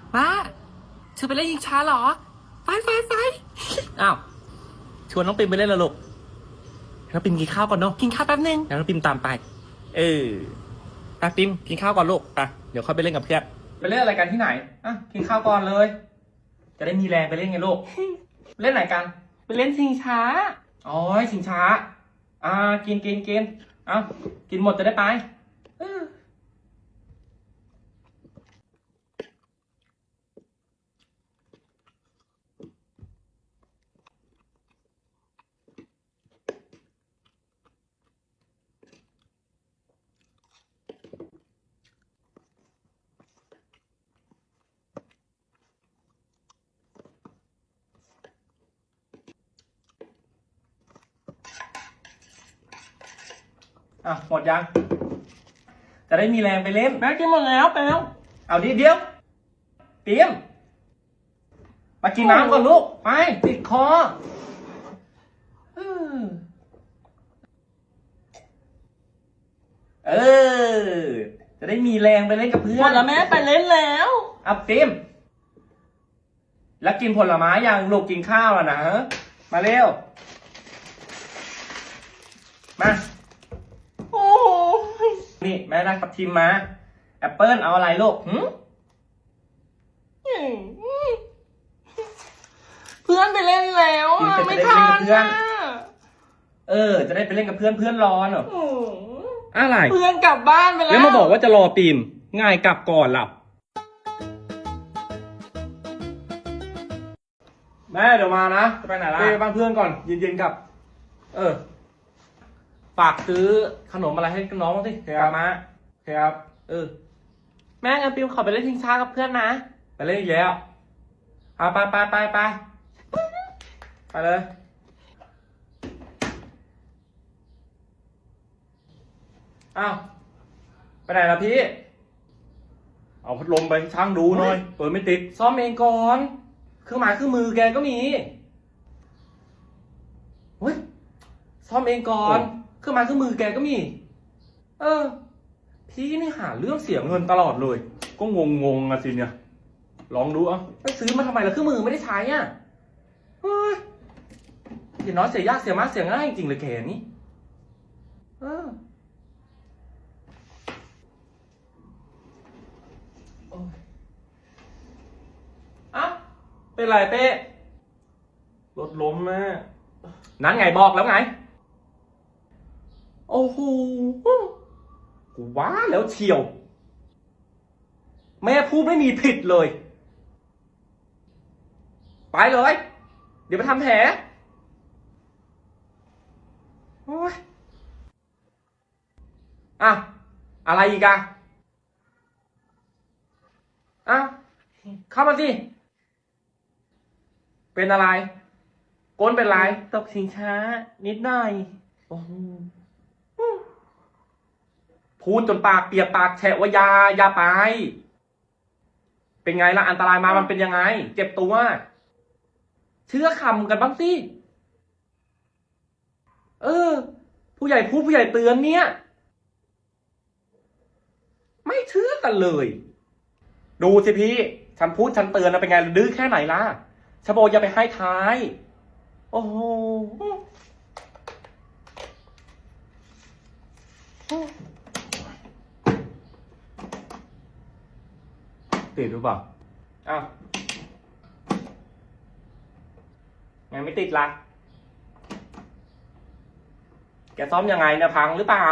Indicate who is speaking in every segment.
Speaker 1: ว่าชวนไปเล่นยิงช้าเหรอไปอ้าวชวนน้องปิมไปเล่นเหรอลูกน้องปิมกินข้าวก่อนเนาะกินข้าวแป๊บนึงแล้วน้องปิมตามไปไปปิมกินข้าวก่อนลูกไปเดี๋ยวค่อยไปเล่นกับเพื่อนไปเล่นอะไรกันที่ไหนอ่ะกินข้าวก่อนเลยจะได้มีแรงไปเล่นไงลูกเล่นไหนกันไปเล่นชิงช้าอ๋อชิงช้ากินเอากินหมดจะได้ไปหมดยังจะได้มีแรงไปเล่นแม่กินหมดแล้วไปแล้วเอาเดี๋ยวเตรียมมากินน้ำก่อนลูกไปติดคอจะได้มีแรงไปเล่นกับเพื่อนหมดแล้วแม่ไปเล่นแล้วเอาเตรียมแล้วกินผลไม้ยังลูกกินข้าวแล้วนะมาเร็วมาโอ้นี่แม่ได้ทับทิมมาแอปเปิ้ลเอาอะไรลูก
Speaker 2: เพื่อนไปเล่นแล้วไม่ทัน
Speaker 1: จะได้ไปเล่นกับเพื่อนร้อนเหรออะไร
Speaker 2: เพื่อนกลับบ้านไปแล้ว
Speaker 1: แล้วมาบอกว่าจะรอปีมง่ายกลับก่อนหลับแม่เดี๋ยวมานะจะไปไหนล่ะไปบ้านเพื่อนก่อนเย็นๆกลับฝากซื้อขนมอะไรให้น้องบ้างสิกลับมาครับแม่งั้นปิมขอไปเล่นชิงช้ากับเพื่อนนะไปเล่นอีกแล้วไปเลยไปไหนล่ะพี่เอาพัดลมไปช่างดูหน่อยเปิดไม่ติดซ่อมเองก่อนเครื่องหมายเครื่องมือแกก็มีเฮ้ยซ่อมเองก่อนเครื่องหมายเครื่องมือแกก็มีพี่นี่หาเรื่องเสียเงินตลอดเลยก็งงอะสิเนี่ยลองดูไปซื้อมาทำไมล่ะเครื่องมือไม่ได้ใช้เฮ้ยเสียน้อยเสียยากเสียมากเสียง่ายจริงเลยแกนี่เป็นไรเป้รถล้มแม่นั้นไงบอกแล้วไงโอ้โหกูว้าแล้วเชียวแม่พูดไม่มีผิดเลยไปเลยเดี๋ยวไปทำแผลโอ้ยอะไรอีกเข้ามาสิเป็นอะไรก้นเป็นไรตกชิงช้านิดหน่อยโอ้โหพูดจนปากเปียกปากแฉะว่าอย่าไปเป็นไงล่ะอันตรายมามันเป็นยังไงเจ็บตัวเชื่อคำกันบ้างสิผู้ใหญ่พูดผู้ใหญ่เตือนเนี่ยไม่เชื่อกันเลยดูสิพี่ฉันพูดฉันเตือนนะเป็นไงดื้อแค่ไหนล่ะชะโบอย่าไปให้ท้ายโอ้โหติดหรือเปล่ายังไม่ติดล่ะแกซ่อมยังไงเนี่ยพังหรือเปล่า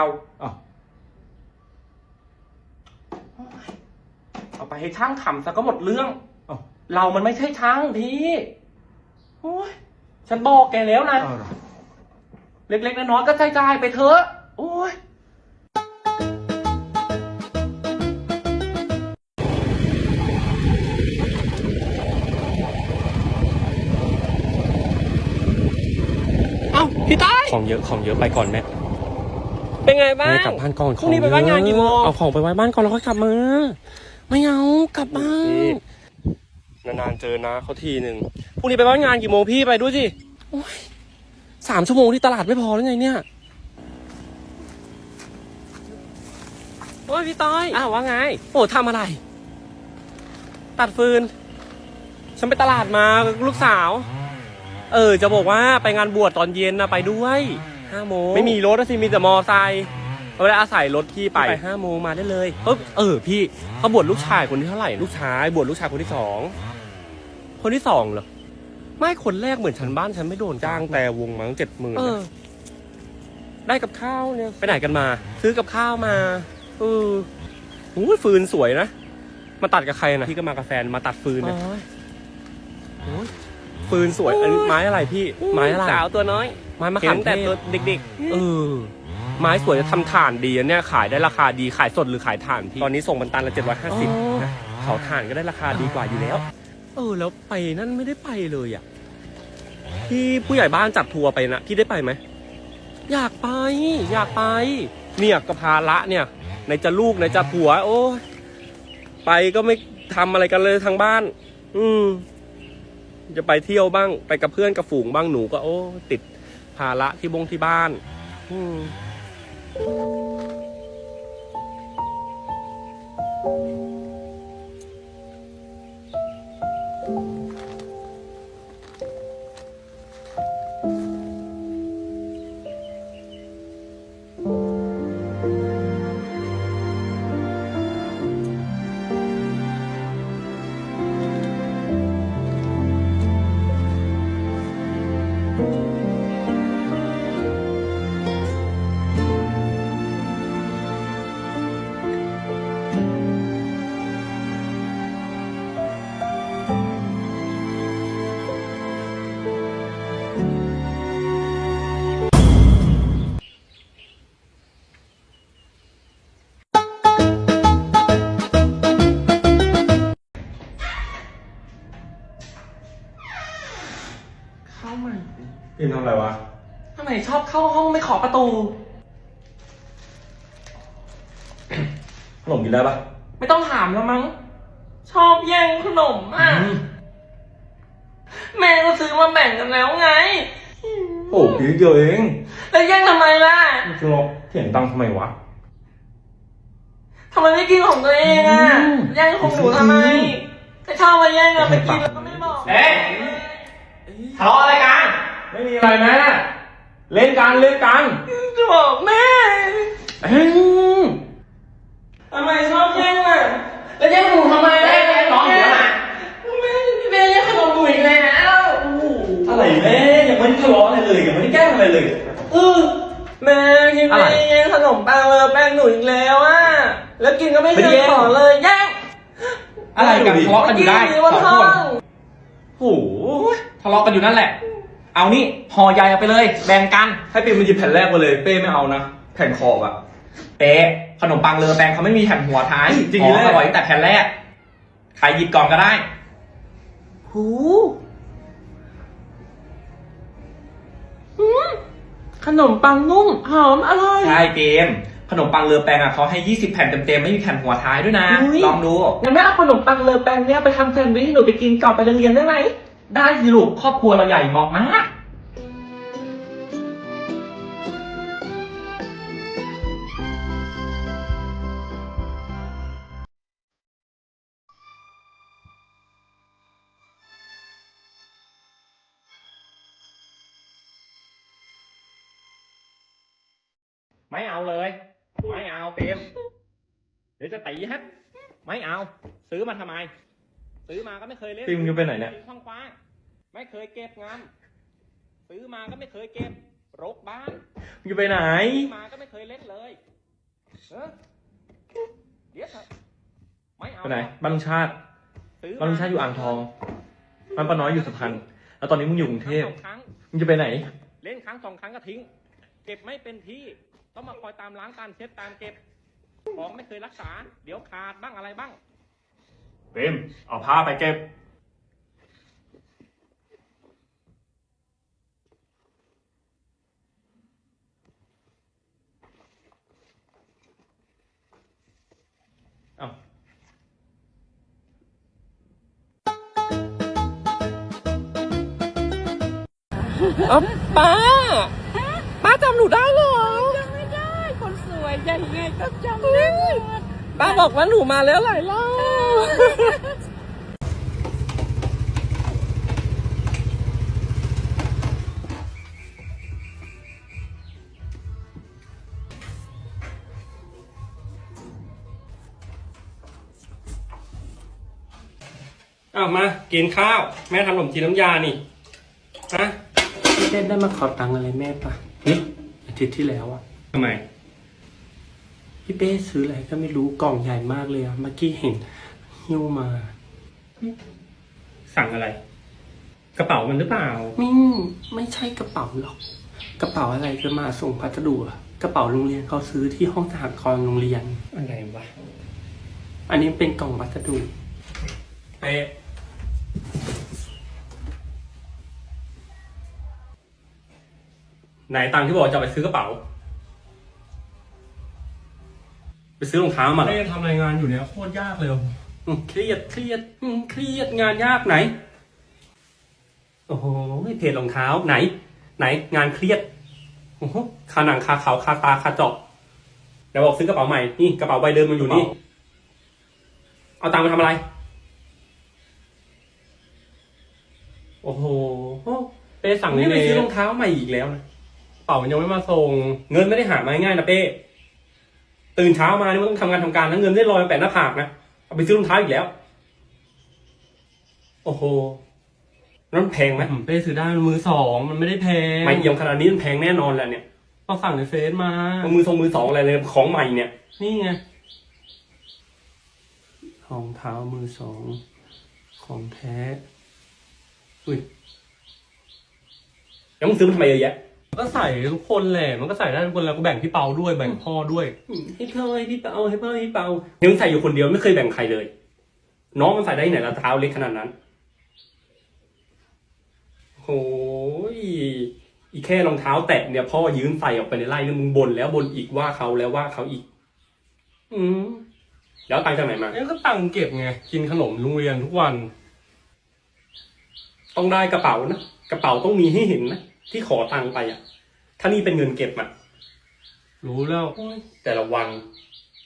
Speaker 1: เอาไปให้ช่างทำซะก็หมดเรื่องเรามันไม่ใช่ช่างพี่โอ้ยฉันบอกแกแล้วนะเล็กๆน้อยๆก็จ่ายไปเถอะโอ้ยพี่ต้อยของเยอะไปก่อนแม่เป็นไงบ้างกลับบ้านก่อนพรุ่งนี้ไปบ้านงานกี่โมงเอาของไปไว้บ้านก่อนแล้วค่อยกลับมาไม่เอากลับบ้านนานๆเจอนะเขาทีหนึ่งพรุ่งนี้ไปบ้านงานกี่โมงพี่ไปด้วยสิ3 ชั่วโมงที่ตลาดไม่พอหรือไงเนี่ยโอ้ยพี่ต้อยว่าไงโอ้ทำอะไร
Speaker 3: ตัดฟืน ฉันไปตลาดมาลูกสาว จะบอกว่าไปงานบวชตอนเย็นนะไปด้วย5 โมงไม่มีรถสิมีแต่มอไซค์เราได้อาศัยรถพี่ไป5 โมงมาได้เลยพี่เขาบวชลูกชายคนที่เท่าไหร่ลูกชายบวชลูกชายคนที่2คนที่2เหรอไม่คนแรกเหมือนฉันบ้านฉันไม่โดนจ้างแต่วงมั้ง70,000ได้กับข้าวเนี่ยไปไหนกันมา ซื้อกับข้าวมาฟืนสวยนะมาตัดกับใครนะพี่ก็มากับแฟนมาตัดฟืนนะฟืนสวยอันนี้ไม้อะไรพี่ไม้อะไรสาวตัวน้อยไม้มะขามแต่ตัวเด็กๆไม้สวยจะทำถ่านดีเนี่ยขายได้ราคาดีขายสดหรือขายถ่านพี่ตอนนี้ส่งบรรทัดละ750นะเผาถ่านก็ได้ราคาดีกว่าอยู่แล้วแล้วไปนั่นไม่ได้ไปเลยอ่ะที่ผู้ใหญ่บ้านจัดทัวร์ไปนะพี่ได้ไปไหมอยากไปเนี่ยกระพาละเนี่ยในจะลูกในจะผัวโอ้ไปก็ไม่ทำอะไรกันเลยทางบ้านจะไปเที่ยวบ้างไปกับเพื่อนกับฝูงบ้างหนูก็ติดภาระที่บ้าน
Speaker 2: เข้ามา
Speaker 1: พิมทำอะไรวะ
Speaker 2: ทำไมชอบเข้าห้องไม่ขอประตู
Speaker 1: ขนมกินได้ปะ
Speaker 2: ไม่ต้องถามแล้วมั้ง ชอบแย่งขนมแม่ก็ซื้อมาแบ่งกันแล้วไง
Speaker 1: โอ้กินเดียวเอง
Speaker 2: แล้วแย่งทำไมล่ะ
Speaker 1: จะรอเถียงตังทำไมวะ
Speaker 2: ทำไมไม่กินของตัวเองแย่งของหนูทำไมถ้าชอบมาแย่งไปกินแล้วก็ไม่บอก
Speaker 1: ทะเลาะอะไรกัน ไม่มีอะไรแม่เล่นกัน
Speaker 2: จะบอกแม่ทำไมชอบแย่งแล้วแย่งหนูทำไม
Speaker 1: น้องเดี๋ยวมา
Speaker 2: แม่แย่งขนมหนูอีกแล้ว
Speaker 1: อะไรแม่ยังไม่ได้ทะเลาะอะไรเลยยังไม่ได้แกล้งอะไรเลย
Speaker 2: แม่ที่แม่แย่งขนมปังแป้งหนูอีกแล้วแล้วกินก็ไม่เคยขอเลยแย่ง
Speaker 3: อะไรกันทะเลาะกันอยู่ได้2 คน
Speaker 1: โอ้โห
Speaker 3: ทะเลาะกันอยู่นั่นแหละเอานี่ห่อใหญ่เอาไปเลยแบ่งกัน
Speaker 1: ให้ปิ่มมันหยิบแผ่นแรกมาเลยเป้ไม่เอานะแผ่นขอบอะ
Speaker 3: เป๊ะขนมปังเลอแปงเขาไม่มีแผ่นหัวท้าย
Speaker 1: จริงๆ
Speaker 3: อร่อยแต่แผ่นแรกใครหยิบก่อนก็ได้
Speaker 2: ขนมปังนุ่มหอมอร่อย
Speaker 3: ใช่เกมขนมปังเลอแปงเขาให้20 แผ่นเต็มๆไม่มีแผ่นหัวท้ายด้วยนะลองดู
Speaker 2: งั้นแม่เอาขนมปังเลอแปงเนี่ยไปทำแซนด์วิชให้หนูไปกินก่อนไปโรงเรียนได้ไหม
Speaker 3: ได้สิลูกครอบครัวเราใหญ่เหมาะมากไม่เอาเลยไม่เอาเปมเดี๋ยวจะตีฮะไม่เอาซื้อมาทำไมซื้อมาก็ไม่เคยเล่น
Speaker 1: ปิ่มจะไปไหนเนี่ย
Speaker 3: คว้างๆไม่เคยเก็บงามซื้อมาก็ไม่เคยเก็บรกบ้าน
Speaker 1: อยู่ไปไหน
Speaker 3: ซื้อมาก็ไม่เคยเล่นเลยเดี๋ยวไม่เอา
Speaker 1: ไปไหนบ้านลุงชาติบ้านลุงชาติอยู่อ่างทองบ้านป้าน้อยอยู่สุพรรณแล้วตอนนี้มึงอยู่กรุงเทพมึงจะไปไหน
Speaker 3: เล่นครั้ง2 ครั้งก็ทิ้งเก็บไม่เป็นที่ต้องมาคอยตามล้างตามเช็ดตามเก็บของไม่เคยรักษาเดี๋ยวขาดบ้างอะไรบ้าง
Speaker 1: เปมเอาผ้าไปเก็บ
Speaker 3: ป้าจำหนูได้เหรอ
Speaker 4: จำไม่ได้คนสวยยังไงก็จำได้
Speaker 3: ป้าบอกว่าหนูมาแล้วหลายรอบอ้าวมากินข้าวแม่ทำขนมจีนน้ำยานี่ฮะ
Speaker 1: พี่เต้ได้มาขอตังค์อะไรแม่ปะนี่อาทิตย์ที่แล้วอะ
Speaker 3: ทำไม
Speaker 1: พี่เป้ซื้ออะไรก็ไม่รู้กล่องใหญ่มากเลยอะเมื่อกี้เห็นหิ้วมา
Speaker 3: สั่งอะไร กระเป๋ามันหรือเปล่า
Speaker 1: ไม่ใช่กระเป๋าหรอก กระเป๋าอะไรจะมาส่งพัสดุอะกระเป๋าโรงเรียนเขาซื้อที่ห้องสหกรณ์โรงเรียน
Speaker 3: อะไรวะ
Speaker 1: อันนี้เป็นกล่องพัสดุ
Speaker 3: เป๊ะไหนตังค์ที่บอกจะเอาไปซื้อกระเป๋า ไปซื้อรองเท้ามาเหรอทำรายงานอยู่เนี่ยโคตรยากเลยเครียดงานยากไหน โอ้โหเพจรองเท้าไหนงานเครียดโอ้โหคาหนังคาเขาคาตาคาเจาะเดี๋ยวบอกซื้อกระเป๋าใหม่นี่กระเป๋าใบเดิมมันอยู่นี่ เอาตังค์มาทำอะไร โอ้โหเป้สั่งนี่ไปซื้อรองเท้าใหม่อีกแล้วนะเป๋ามันยังไม่มาส่งเงินไม่ได้หามาง่ายนะเป้ตื่นเช้ามานี่มันต้องทำงานแล้วเงินได้ลอยมาแปะหน้าผากนะเอาไปซื้อรองเท้าอีกแล้ว โอ้โหนั่นแพงไหมเป้ซื้อได้มือสองมันไม่ได้แพงไม่เยี่ยมขนาดนี้มันแพงแน่นอนแหละเนี่ยก็สั่งในเฟซมามือสองอะไรเลยของใหม่เนี่ยนี่ไง
Speaker 1: รองเท้ามือสองของแท้อุ้ย
Speaker 3: แล้วมึงซื้อมันทำไมเยอะแยะก็ใส่ทุกคนแหละมันก็ใส่ได้ทุกคนแล้วก็แบ่งพี่เปาด้วยแบ่งพ่อด้วยให้พ่อให้พี่เปาให้พ่อให้พี่เปาเฮ้ยมึงใส่อยู่คนเดียวไม่เคยแบ่งใครเลยน้องมันใส่ได้ที่ไหนละเท้าเล็กขนาดนั้นโอ้ยอีแค่รองเท้าแตะเนี่ยพ่อยืมใส่ออกไปในไร่เนี่ยมึงบ่นแล้วบ่นอีกว่าเขาแล้วว่าเขาอีกแล้วตังค์จากไหนมาก็ตังค์เก็บไงกินขนมโรงเรียนทุกวันต้องได้กระเป๋านะกระเป๋าต้องมีให้เห็นนะที่ขอตังค์ไปอ่ะถ้านี่เป็นเงินเก็บอ่ะรู้แล้วแต่ละวัน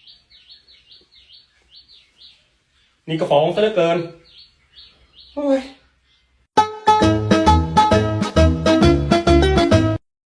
Speaker 3: นี่ก็ของซะเหลือเกินโอ้ย